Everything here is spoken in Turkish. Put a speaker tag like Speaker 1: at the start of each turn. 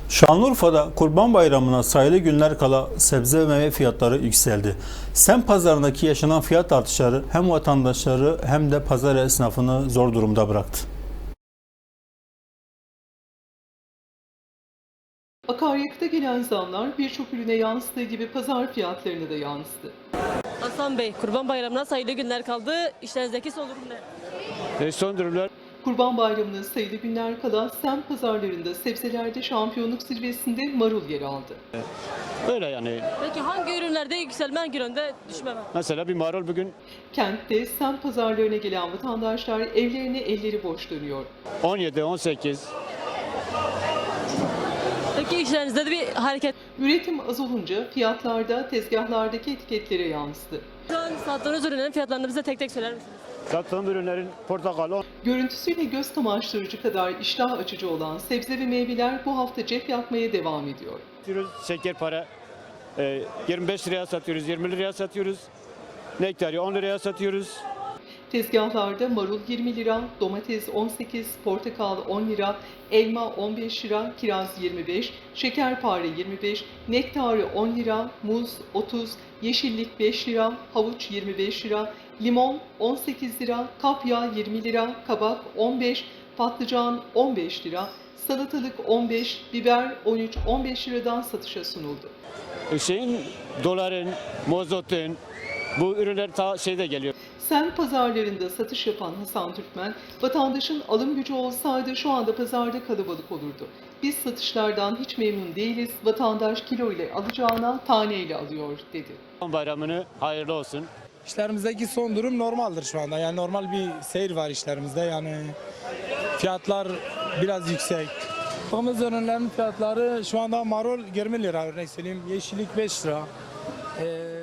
Speaker 1: Şanlıurfa'da Kurban Bayramı'na sayılı günler kala sebze ve meyve fiyatları yükseldi. Semt pazarındaki yaşanan fiyat artışları hem vatandaşları hem de pazar esnafını zor durumda bıraktı.
Speaker 2: Akaryakıta gelen zamlar birçok ürüne yansıdığı gibi pazar fiyatlarına da yansıdı.
Speaker 3: Hasan Bey, Kurban Bayramı'na sayılı günler kaldı. İşlerinizdeki son durum ne?
Speaker 4: Son durumlar
Speaker 2: Kurban Bayramı'na sayılı günler kala semt pazarlarında sebzelerde şampiyonluk zirvesinde marul yer aldı.
Speaker 4: öyle yani.
Speaker 3: Peki hangi ürünlerde yükselme, hangi üründe düşme var?
Speaker 4: Mesela bir marul bugün
Speaker 2: Kentte semt pazarlarına gelen vatandaşlar evlerine elleri boş dönüyor.
Speaker 4: 17, 18.
Speaker 3: Peki işlerinizde de bir hareket.
Speaker 2: Üretim az olunca fiyatlarda tezgahlardaki etiketlere yansıdı.
Speaker 3: Şu an sattığınız ürünlerin fiyatlarını bize tek tek söyler misiniz?
Speaker 4: Sattığım ürünlerin portakal 10,
Speaker 2: Görüntüsüyle göz kamaştırıcı kadar iştah açıcı olan sebze ve meyveler bu hafta cep yapmaya devam ediyor.
Speaker 4: satıyoruz. Şeker para 25 liraya satıyoruz, 20 liraya satıyoruz. Nektarı 10 liraya satıyoruz.
Speaker 2: Tezgahlarda marul 20 lira, domates 18, portakal 10 lira, elma 15 lira, kiraz 25, şekerpare 25, nektarı 10 lira, muz 30, yeşillik 5 lira, havuç 25 lira, limon 18 lira, kapya 20 lira, kabak 15, patlıcan 15 lira, salatalık 15, biber 13-15 liradan satışa sunuldu.
Speaker 4: Doların, mozotun bu ürünler ta şeyde geliyor.
Speaker 2: Semt pazarlarında satış yapan Hasan Türkmen, vatandaşın alım gücü olsaydı şu anda pazarda kalabalık olurdu. Biz satışlardan hiç memnun değiliz, vatandaş kilo ile alacağına tane ile alıyor dedi.
Speaker 4: Kurban Bayramını hayırlı olsun.
Speaker 5: İşlerimizdeki son durum normaldir şu anda. Yani normal bir seyir var işlerimizde. Yani fiyatlar biraz yüksek. Yaptığımız ürünlerin fiyatları şu anda marul 20 lira örnek söyleyeyim. Yeşillik 5 lira.